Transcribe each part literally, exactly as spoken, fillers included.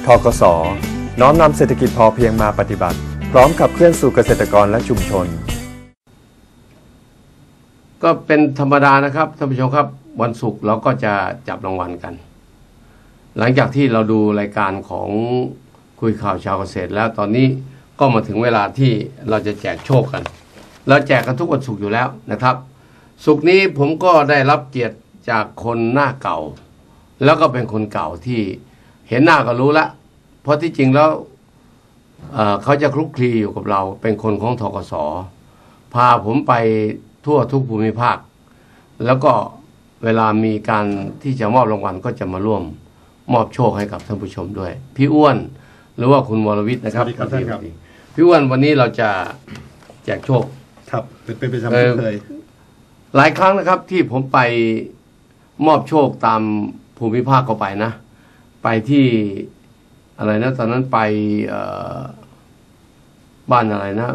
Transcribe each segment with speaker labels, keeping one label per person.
Speaker 1: ธกส.น้อมนำเศรษฐกิจพอเพียงมาปฏิบัติพร้อมขับเคลื่อนสู่เกษตรกรและชุมชน
Speaker 2: ก็เป็นธรรมดานะครับท่านผู้ชมครับวันศุกร์เราก็จะจับรางวัลกันหลังจากที่เราดูรายการของคุยข่าวชาวเกษตรแล้วตอนนี้ก็มาถึงเวลาที่เราจะแจกโชคกันเราแจกกันทุกวันศุกร์อยู่แล้วนะครับศุกร์นี้ผมก็ได้รับเกียรติจากคนหน้าเก่าแล้วก็เป็นคนเก่าที่เห็นหน้าก็รู้ละเพราะที่จริงแล้ว เอ่อ เขาจะคลุกคลีอยู่กับเราเป็นคนของธกส.พาผมไปทั่วทุกภูมิภาคแล้วก็เวลามีการที่จะมอบรางวัลก็จะมาร่วมมอบโชคให้กับท่านผู้ชมด้วยพี่อ้วนหรือว่าคุณวรวิทย์นะครับสวัสดีครับท่านครับพี่อ้วนวันนี้เราจะแจกโชค
Speaker 3: ครับเป็นเป็นประจำที่เคย
Speaker 2: หลายครั้งนะครับที่ผมไปมอบโชคตามภูมิภาคก็ไปนะไปที่อะไรนะตอนนั้นไปบ้านอะไรนะ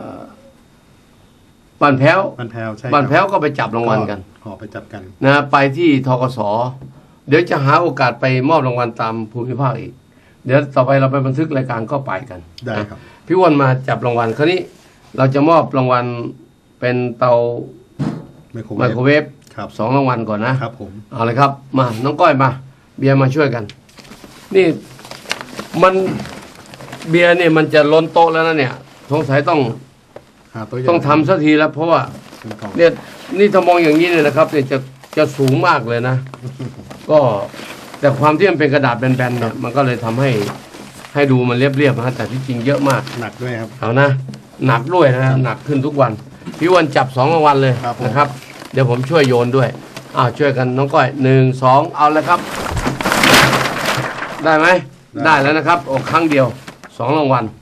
Speaker 2: บ้านแพ้ว
Speaker 3: บ้านแพ้วใช่
Speaker 2: บ้านแพ้วก็ไปจับรางวัลกัน
Speaker 3: ขอไปจับกัน
Speaker 2: นะไปที่ธกส.เดี๋ยวจะหาโอกาสไปมอบรางวัลตามภูมิภาคอีกเดี๋ยวต่อไปเราไปบันทึกรายการก็ไปกัน
Speaker 3: ได้ครับ
Speaker 2: พี่อ้วนมาจับรางวัลคราวนี้เราจะมอบรางวัลเป็นเตาไมโครเวฟสองรางวัลก่อนนะครับ
Speaker 3: ผม
Speaker 2: เอาเลยครับมาน้องก้อยมาเบียร์มาช่วยกันนี่มันเบียร์เนี่ยมันจะล้นโต๊ะแล้วนะเนี่ยสงสัยต้องต้องทำสักทีแล้วเพราะว่าเนี่ยนี่ถ้ามองอย่างนี้เลยนะครับเนี่ยจะจะสูงมากเลยนะก็แต่ความที่มันเป็นกระดาษแบนๆเนี่ยมันก็เลยทำให้ให้ดูมันเรียบๆนะแต่ที่จริงเยอะมาก
Speaker 3: หนักด้วยครับ
Speaker 2: เอานะหนักด้วยนะหนักขึ้นทุกวันพี่วันจับสองรางวัลเลยนะครับเดี๋ยวผมช่วยโยนด้วยอ้าวช่วยกันน้องก้อยหนึ่งสองเอาเลยครับได้ไหมได้แล้วนะครับโอ้ครั้งเดียวสองรางวัล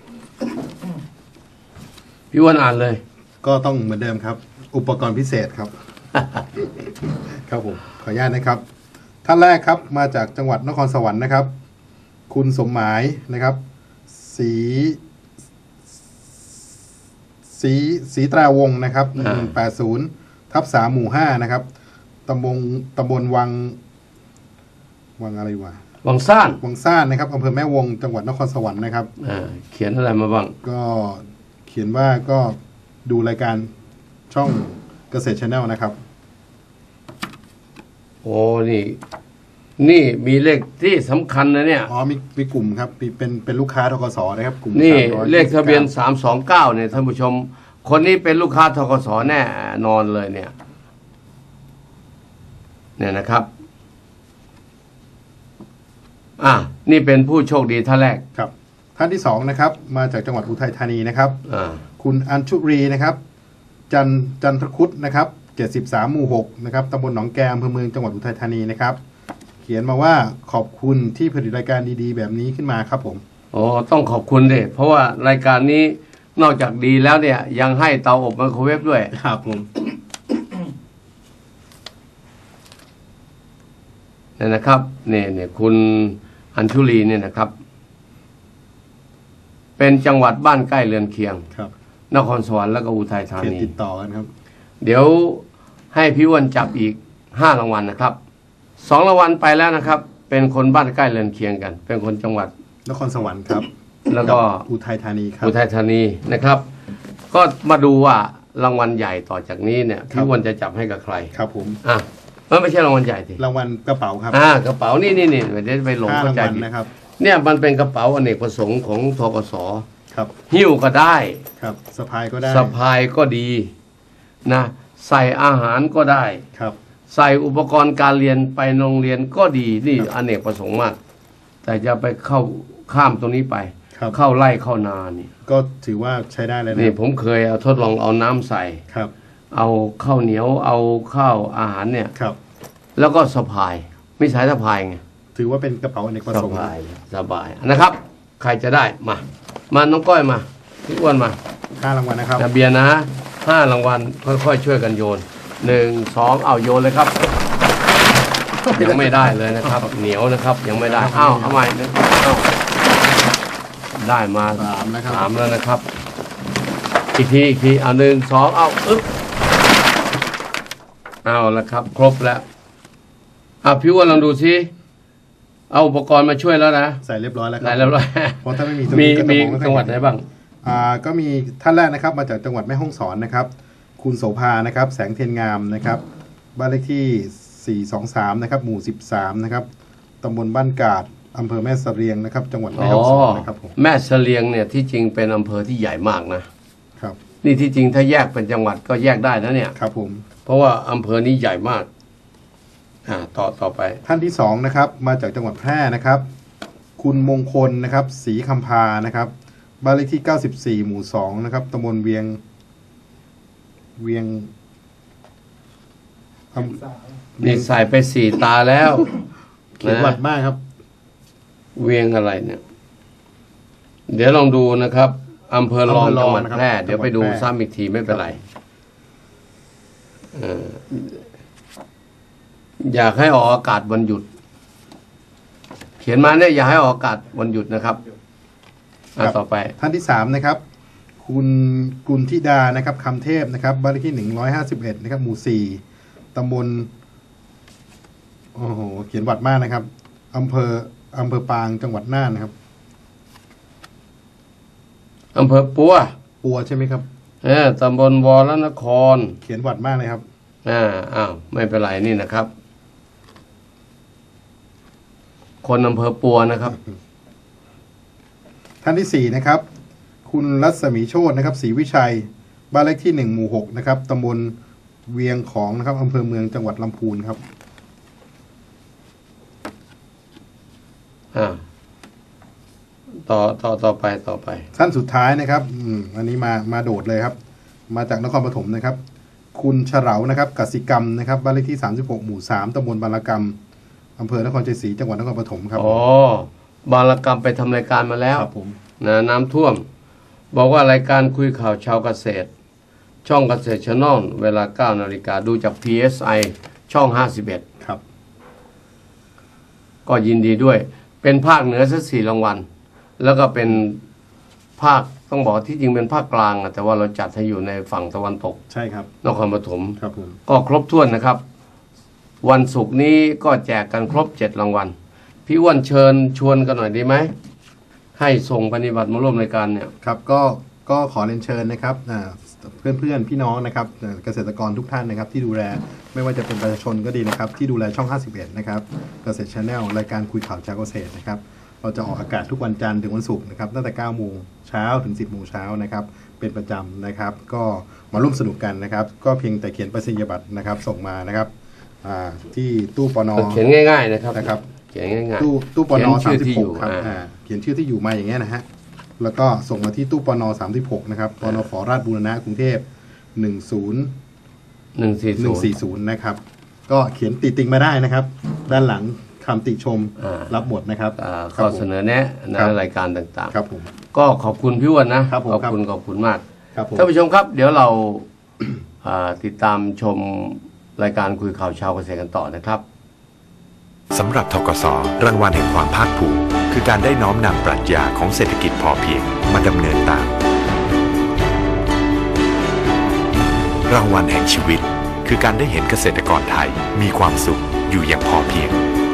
Speaker 2: พี่วันอ่านเลย
Speaker 3: ก็ต้องเหมือนเดิมครับอุปกรณ์พิเศษครับ ครับผมขออนุญาตนะครับท่านแรกครับมาจากจังหวัดนครสวรรค์นะครับคุณสมหมายนะครับสีสีสีตราวงนะครับหนึ่งแปดศูนย์ทับสามหมู่ห้านะครับตำบลตำบลวังวังอะไรวะ
Speaker 2: วังซ่าน
Speaker 3: วังซ่านนะครับอำเภอแม่วงจังหวัดนครสวรรค์นะครับ
Speaker 2: เขียนอะไรมาบ้าง
Speaker 3: ก็เขียนว่าก็ดูรายการช่องเกษตร Channel นะครับ
Speaker 2: โอ้นี่นี่มีเลขที่สำคัญนะเนี่ย
Speaker 3: อ๋อมีมีกลุ่มครับเป็นเป็นลูกค้าธกส.นะครับกลุ่ม
Speaker 2: นี่เลขทะเบียนสามสองเก้าเนี่ยท่านผู้ชมคนนี้เป็นลูกค้าธกส.แน่นอนเลยเนี่ยเนี่ยนะครับอ่ะนี่เป็นผู้โชคดีท่านแรก
Speaker 3: ครับท่านที่สองนะครับมาจากจังหวัดอุทัยธานีนะครับคุณอัญชุรีนะครับจันจันทคุดนะครับเจ็ดสิบสามหมู่หกนะครับตำบลหนองแกมอำเภอเมืองจังหวัดอุทัยธานีนะครับเขียนมาว่าขอบคุณที่ผลิตรายการดีๆแบบนี้ขึ้นมาครับผม
Speaker 2: อ๋อต้องขอบคุณดิเพราะว่ารายการนี้นอกจากดีแล้วเนี่ยยังให้เตาอบไมโครเวฟด้วย
Speaker 3: ครับผม
Speaker 2: เนี่ยนะครับเนี่ยเนี่ยคุณอัญชุลีเนี่ยนะครับเป็นจังหวัดบ้านใกล้เรือนเคียง
Speaker 3: ครับ
Speaker 2: นครสวรรค์แล้วก็อุทัยธานี
Speaker 3: ติดต่อกันครับ
Speaker 2: เดี๋ยวให้พี่อ้วนจับอีกห้ารางวัลนะครับสองรางวัลไปแล้วนะครับเป็นคนบ้านใกล้เรือนเคียงกันเป็นคนจังหวัด
Speaker 3: นครสวรรค์ครับ
Speaker 2: แล้วก็
Speaker 3: อุทัยธานีครับ
Speaker 2: อุทัยธานีนะครับก็มาดูว่ารางวัลใหญ่ต่อจากนี้เนี่ยพี่อ้วนจะจับให้กับใคร
Speaker 3: ครับผม
Speaker 2: อ่ะมันไม่ใช่รางวัลใหญ่สิ
Speaker 3: รางวัลกระเป๋าครับ
Speaker 2: อ่ากระเป๋านี่นี่นี่เดี๋ยวไปหลงเข้าใจ
Speaker 3: นะครับ
Speaker 2: เนี่ยมันเป็นกระเป๋าอเนกประสงค์ของธกส.
Speaker 3: ครับ
Speaker 2: หิ้วก็ได้
Speaker 3: ครับสะพายก็ได้
Speaker 2: สะพายก็ดีนะใส่อาหารก็ได้
Speaker 3: ครับ
Speaker 2: ใส่อุปกรณ์การเรียนไปโรงเรียนก็ดีนี่อเนกประสงค์มากแต่จะไปเข้าข้ามตรงนี้ไปเข้าไร่เข้านานี่
Speaker 3: ก็ถือว่าใช้ได้เลยนะ
Speaker 2: นี่ผมเคยเอาทดลองเอาน้ำใส่
Speaker 3: ครับ
Speaker 2: เอาข้าวเหนียวเอาข้าวอาหารเนี่ย
Speaker 3: ครับ
Speaker 2: แล้วก็สะพายไม่ใช้สะพายไง
Speaker 3: ถือว่าเป็นกระเป๋าอเนกประสงค์
Speaker 2: สบายสบายนะครับใครจะได้มามาน้องก้อยมาพี่อ้วนมา
Speaker 3: ห้ารางวัลนะครับ
Speaker 2: เบียร์นะห้ารางวัลค่อยๆช่วยกันโยนหนึ่งสองเอาโยนเลยครับยังไม่ได้เลยนะครับเหนียวนะครับยังไม่ได้อ้าวทำไมได้มา
Speaker 3: สามนะครับ
Speaker 2: สามแล้วนะครับอีกทีอีกทีเอาหนึ่งสองเอาอึ๊บเอาละครับครบแล้วอ่ะพี่อ้วนลองดูซิเอาอุปกรณ์มาช่วยแล้วนะ
Speaker 3: ใส่เรียบร้อยแล้วครั
Speaker 2: ใส่เรียบร้อย
Speaker 3: เพราะถ้าไม่มี
Speaker 2: มีมีจังหวัดไหนบ้าง
Speaker 3: อ่าก็มีท่านแรกนะครับมาจากจังหวัดแม่ฮ่องสอนนะครับคุณโสภานะครับแสงเทียนงามนะครับบ้านเลขที่สี่สองสามนะครับหมู่สิบสามนะครับตำบลบ้านกาดอำเภอแม่เสรียงนะครับจังหวัดแม่ฮ่องสอนนะครับผม
Speaker 2: แม่เสรียงเนี่ยที่จริงเป็นอำเภอที่ใหญ่มากนะครับนี่ที่จริงถ้าแยกเป็นจังหวัดก็แยกได้นะเนี่ย
Speaker 3: ครับผม
Speaker 2: เพราะว่าอำเภอนี้ใหญ่มากอ่าต่อต่อไป
Speaker 3: ท่านที่สองนะครับมาจากจังหวัดแพร่นะครับคุณมงคลนะครับศรีคำพานะครับบ้านเลขที่เก้าสิบสี่หมู่สองนะครับตำบลเวียงเวียง
Speaker 2: นี่ใส่ไปสี่ตาแล้ว
Speaker 3: เขียนหวัดมากครับ
Speaker 2: เวียงอะไรเนี่ยเดี๋ยวลองดูนะครับอำเภอรองจังหวัดแพร่เดี๋ยวไปดูซ้ำอีกทีไม่เป็นไรอยากให้ออกอากาศวันหยุดเขียนมาเนี่ยอยากให้ออกอากาศวันหยุดนะครับต่อไป
Speaker 3: ท่านที่สามนะครับคุณกุลธิดานะครับคำเทพนะครับบ้านเลขที่หนึ่งร้อยห้าสิบเอ็ดนะครับหมู่สี่ตำบลโอ้โหเขียนวัดมากนะครับอำเภออำเภอปางจังหวัดน่านนะครับ
Speaker 2: อำเภอปัว
Speaker 3: ปัวใช่ไหมครับ
Speaker 2: เออตำบลวรนคร
Speaker 3: เขียนวัดมากเลยครับ
Speaker 2: อ่าอ้าวไม่เป็นไรนี่นะครับคนอำเภอปัวนะครับ
Speaker 3: ท่านที่สี่นะครับคุณรัศมีโชตินะครับศรีวิชัยบ้านเลขที่หนึ่งหมู่หกนะครับตำบลเวียงของนะครับอำเภอเมืองจังหวัดลำพูนครับ
Speaker 2: อ่าต่อต่อต่อไปต่อไป
Speaker 3: ท่านสุดท้ายนะครับอืมอันนี้มามาโดดเลยครับมาจากนครปฐมนะครับคุณเฉลานะครับกสิกรรมนะครับบ้านเลขที่สามสิบหกหมู่สามตำบลบารกรรมอำเภอนครชัยศรีจังหวัดนครปฐมครับ
Speaker 2: อ๋อบารกรรมไปทำรายการมาแล้ว
Speaker 3: ครับผม
Speaker 2: นะน้ำท่วมบอกว่ารายการคุยข่าวชาวเกษตรช่องเกษตรชแนลเวลาเก้านาฬิกาดูจาก พี เอส ไอ ช่องห้าสิบเอ็ด
Speaker 3: ครับ
Speaker 2: ก็ยินดีด้วยเป็นภาคเหนือสักสี่รางวัลแล้วก็เป็นภาคต้องบอกที่จริงเป็นภาคกลางแต่ว่าเราจัดให้อยู่ในฝั่งตะวันตก
Speaker 3: ใช่ครับ
Speaker 2: นครปฐม
Speaker 3: ครับผม
Speaker 2: ก็ครบถ้วนนะครับวันศุกร์นี้ก็แจกกันครบเจ็ดรางวัลพี่อ้วนเชิญชวนกันหน่อยดีไหมให้ส่งปฏิบัติมาร่วมรายการเนี่ย
Speaker 3: ครับก็ก็ขอเรียนเชิญนะครับเพื่อนเพื่อนพี่น้องนะครับเกษตรกรทุกท่านนะครับที่ดูแลไม่ว่าจะเป็นประชาชนก็ดีนะครับที่ดูแลช่องห้าสิบเอ็ดนะครับเกษตร Channel รายการคุยข่าวชาวเกษตรนะครับเราจะออกอากาศทุกวันจันทร์ถึงวันศุกร์นะครับตั้งแต่เก้าโมงเช้าถึงสิบโมงเช้านะครับเป็นประจำนะครับก็มาร่วมสนุกกันนะครับก็เพียงแต่เขียนประสิทธิบัตรนะครับส่งมานะครับที่ตู้ปน
Speaker 2: เขียนง่ายๆนะครับ
Speaker 3: นะครับ
Speaker 2: เขียนง่ายๆ
Speaker 3: ตู้ตู้ปนสามสิบหกครับเขียนชื่อที่อยู่มาอย่างเงี้ยนะฮะแล้วก็ส่งมาที่ตู้ปนสามสิบหกนะครับปนฝราชบูรณะกรุงเทพหนึ่งศูนย์
Speaker 2: หนึ่งสี่หนึ่ง
Speaker 3: สี่ศูนย์นะครับก็เขียนติติงมาได้นะครับด้านหลังคำติชมรับหมดนะครับ
Speaker 2: ข้อเสนอแนะในรายการต่าง
Speaker 3: ๆครับผม
Speaker 2: ก็ขอบคุณพี่อ้วนนะขอบคุณขอบคุณมากท่านผู้ชมครับเดี๋ยวเราติดตามชมรายการคุยข่าวชาวเกษตรกันต่อนะครับ
Speaker 4: สำหรับธกส.รางวัลแห่งความภาคภูมิคือการได้น้อมนำปรัชญาของเศรษฐกิจพอเพียงมาดำเนินตามรางวัลแห่งชีวิตคือการได้เห็นเกษตรกรไทยมีความสุขอยู่อย่างพอเพียง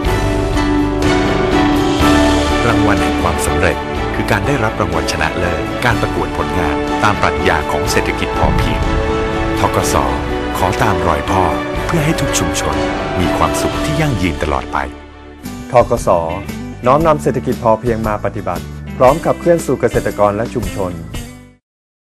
Speaker 4: รางวัลแห่งความสำเร็จคือการได้รับรางวัลชนะเลิศการประกวดผลงานตามปรัชญาของเศรษฐกิจพอเพียงธกส.ขอตามรอยพ่อเพื่อให้ทุกชุมชนมีความสุขที่ยั่งยืนตลอดไป
Speaker 1: ธกส.น้อมนำเศรษฐกิจพอเพียงมาปฏิบัติพร้อมขับเคลื่อนสู่เกษตรกรและชุมชน